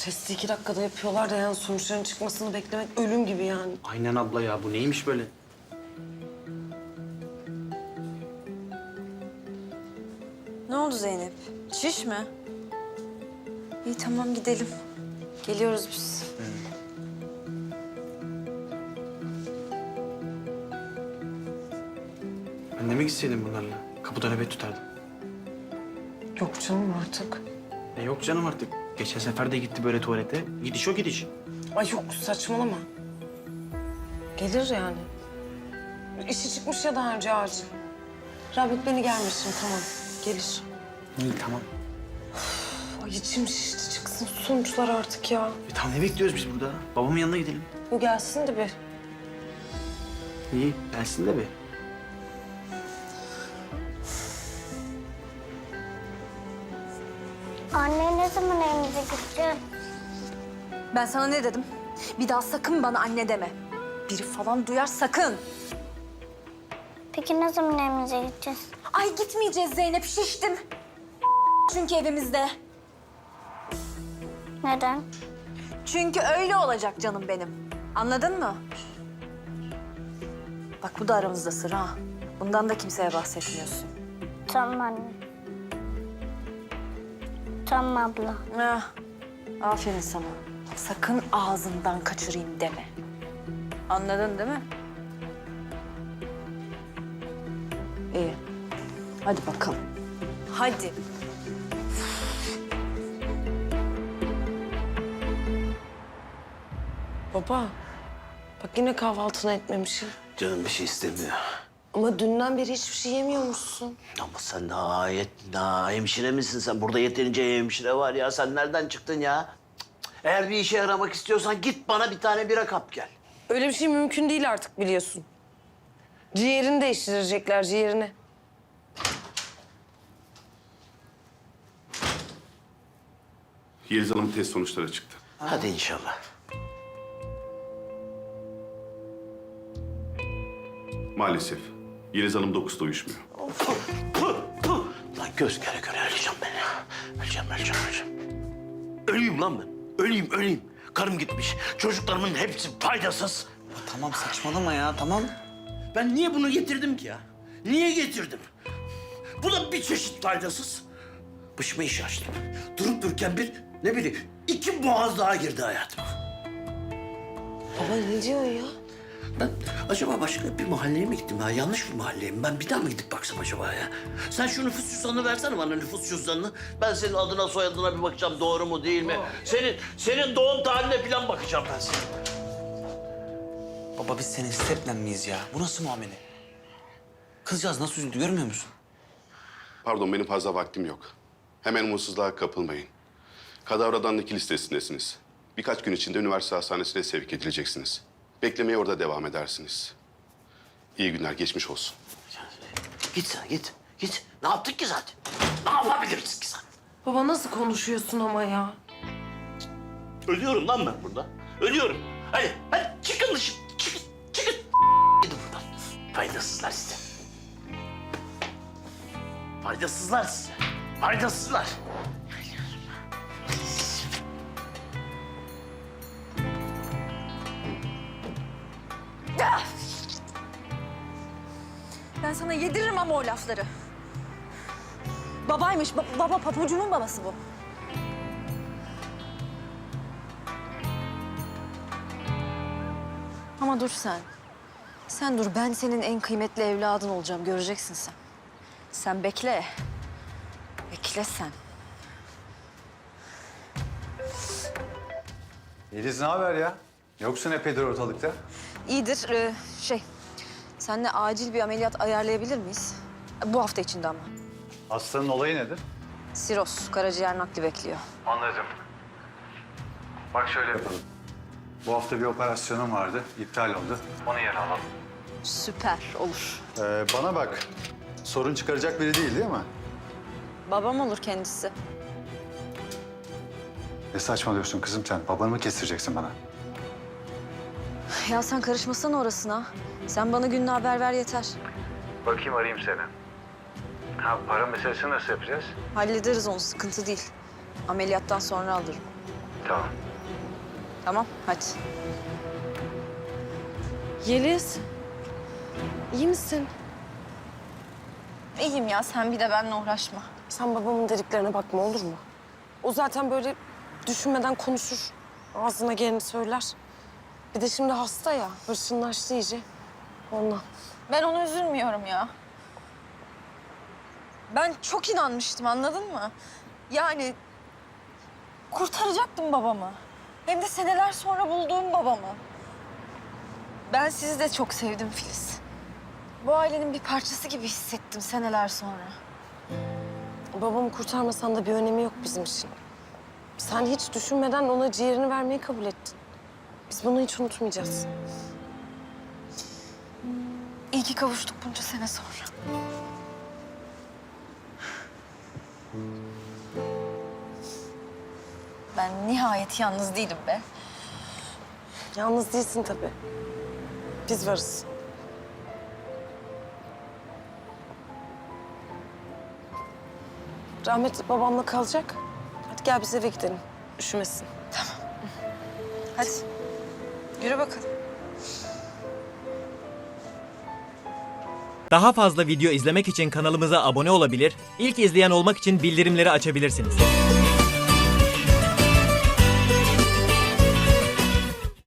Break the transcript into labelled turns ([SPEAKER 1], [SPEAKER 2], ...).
[SPEAKER 1] Testi 2 dakikada yapıyorlar da yani sonuçların çıkmasını beklemek ölüm gibi yani.
[SPEAKER 2] Aynen abla ya, bu neymiş böyle?
[SPEAKER 3] Ne oldu Zeynep? Şiş mi? İyi tamam gidelim. Geliyoruz biz.
[SPEAKER 2] Ben de mi gitseydim bunlarla? Kapıda nöbet tutardım.
[SPEAKER 1] Yok canım artık.
[SPEAKER 2] Yok canım artık. Geçen sefer de gitti böyle tuvalete. Gidiş o gidiş.
[SPEAKER 1] Ay yok saçmalama. Gelir yani. İşi çıkmış ya daha önce acil. Rabit beni gelmesin tamam. Gelir.
[SPEAKER 2] İyi tamam.
[SPEAKER 1] Ay içim şişti çıksın sonuçlar artık ya.
[SPEAKER 2] Tamam ne bekliyoruz biz burada? Babamın yanına gidelim.
[SPEAKER 1] Bu gelsin de bir.
[SPEAKER 2] İyi gelsin de be.
[SPEAKER 4] Anne ne zaman evimize gideceğiz?
[SPEAKER 3] Ben sana ne dedim? Bir daha sakın bana anne deme. Biri falan duyar sakın.
[SPEAKER 4] Peki ne zaman evimize gideceğiz?
[SPEAKER 3] Ay gitmeyeceğiz Zeynep şiştim. Çünkü evimizde.
[SPEAKER 4] Neden?
[SPEAKER 3] Çünkü öyle olacak canım benim. Anladın mı? Bak bu da aramızda sır ha. Bundan da kimseye bahsetmiyorsun.
[SPEAKER 4] Tamam anne. Tamam abla.
[SPEAKER 3] Ah, aferin sana. Sakın ağzından kaçırayım deme. Anladın değil mi? İyi. Hadi bakalım. Hadi.
[SPEAKER 1] Baba bak yine kahvaltını etmemişim.
[SPEAKER 5] Canım bir şey istemiyor.
[SPEAKER 1] Ama dünden beri hiçbir şey yemiyormuşsun.
[SPEAKER 5] Ama sen daha hemşire misin sen? Burada yeterince hemşire var ya. Sen nereden çıktın ya? Cık, cık. Eğer bir işe yaramak istiyorsan git bana bir tane bira kap gel.
[SPEAKER 1] Öyle bir şey mümkün değil artık biliyorsun. Ciğerini değiştirecekler ciğerini.
[SPEAKER 6] Yeliz Hanım'ın test sonuçları çıktı.
[SPEAKER 5] Hadi inşallah.
[SPEAKER 6] Maalesef. Yeliz Hanım 9'da uyuşmuyor.
[SPEAKER 5] Lan göz göre göre öleceğim ben ya. Öleceğim. Öleyim lan ben. Öleyim. Karım gitmiş. Çocuklarımın hepsi faydasız.
[SPEAKER 2] Tamam saçmalama ya tamam.
[SPEAKER 5] Ben niye bunu getirdim ki ya? Niye getirdim? Bu da bir çeşit faydasız. Başıma iş açtım. Durup dururken ne bileyim 2 boğaz daha girdi hayatıma.
[SPEAKER 1] Baba ne diyor ya?
[SPEAKER 5] Ben acaba başka bir mahalleye mi gittim ya? Yanlış bir mahalleye mi? Ben bir daha mı gidip baksam acaba ya? Sen şu nüfus cüzdanını versene bana, nüfus cüzdanını. Ben senin adına soyadına bir bakacağım, doğru mu değil mi? Senin doğum tarihine falan bakacağım ben senin.
[SPEAKER 2] Baba biz senin steplen miyiz ya? Bu nasıl muamele? Kızcağız nasıl üzüldü görmüyor musun?
[SPEAKER 6] Pardon, benim fazla vaktim yok. Hemen umutsuzluğa kapılmayın. Kadavradan nakil listesindesiniz. Birkaç gün içinde üniversite hastanesine sevk edileceksiniz. Beklemeye orada devam edersiniz. İyi günler, geçmiş olsun.
[SPEAKER 5] Git sen, git. Ne yaptık ki zaten? Ne yapabiliriz ki zaten?
[SPEAKER 1] Baba nasıl konuşuyorsun ama ya?
[SPEAKER 5] Ölüyorum lan ben burada. Ölüyorum. Hadi çıkın dışarı. Çıkın. Gidin buradan. Faydasızlar size. Faydasızlar.
[SPEAKER 3] Ben sana yediririm ama o lafları. Babaymış, baba papucumun babası bu. Ama dur sen. Sen dur, ben senin en kıymetli evladın olacağım, göreceksin sen. Sen bekle. Bekle sen.
[SPEAKER 7] Yeliz ne haber ya? Yoksun epeydir ortalıkta.
[SPEAKER 3] İyidir, seninle acil bir ameliyat ayarlayabilir miyiz? Bu hafta içinde ama.
[SPEAKER 7] Hastanın olayı nedir?
[SPEAKER 3] Siroz, karaciğer nakli bekliyor.
[SPEAKER 7] Anladım. Bak şöyle yapalım. Bu hafta bir operasyonum vardı, iptal oldu. Onu yerine alalım.
[SPEAKER 3] Süper, olur.
[SPEAKER 7] Bana bak, sorun çıkaracak biri değil mi?
[SPEAKER 3] Babam olur kendisi.
[SPEAKER 7] Ne saçmalıyorsun kızım sen? Babanı mı kestireceksin bana?
[SPEAKER 3] Ya sen karışmasana orasına. Sen bana gününü haber ver yeter.
[SPEAKER 7] Bakayım arayayım seni. Ha, para meselesini nasıl yapacağız?
[SPEAKER 3] Hallederiz onu, sıkıntı değil. Ameliyattan sonra alırım. Tamam, hadi.
[SPEAKER 1] Yeliz. İyi misin?
[SPEAKER 3] İyiyim ya, sen bir de benimle uğraşma.
[SPEAKER 1] Sen babamın dediklerine bakma olur mu? O zaten böyle düşünmeden konuşur. Ağzına geleni söyler. Bir de şimdi hasta ya. Hırçınlaştı iyice. Ondan.
[SPEAKER 3] Ben ona üzülmüyorum ya. Ben çok inanmıştım, anladın mı? Yani kurtaracaktım babamı. Hem de seneler sonra bulduğum babamı. Ben sizi de çok sevdim Filiz. Bu ailenin bir parçası gibi hissettim seneler sonra.
[SPEAKER 1] Babamı kurtarmasan da bir önemi yok bizim için. Sen hiç düşünmeden ona ciğerini vermeyi kabul ettin. Biz bunu hiç unutmayacağız.
[SPEAKER 3] İyi ki kavuştuk bunca sene sonra. Ben nihayet yalnız değilim be.
[SPEAKER 1] Yalnız değilsin tabii. Biz varız. Rahmetli babamla kalacak. Hadi gel biz eve gidelim. Üşümesin.
[SPEAKER 3] Hadi yürü bakalım.
[SPEAKER 8] Daha fazla video izlemek için kanalımıza abone olabilir, ilk izleyen olmak için bildirimleri açabilirsiniz.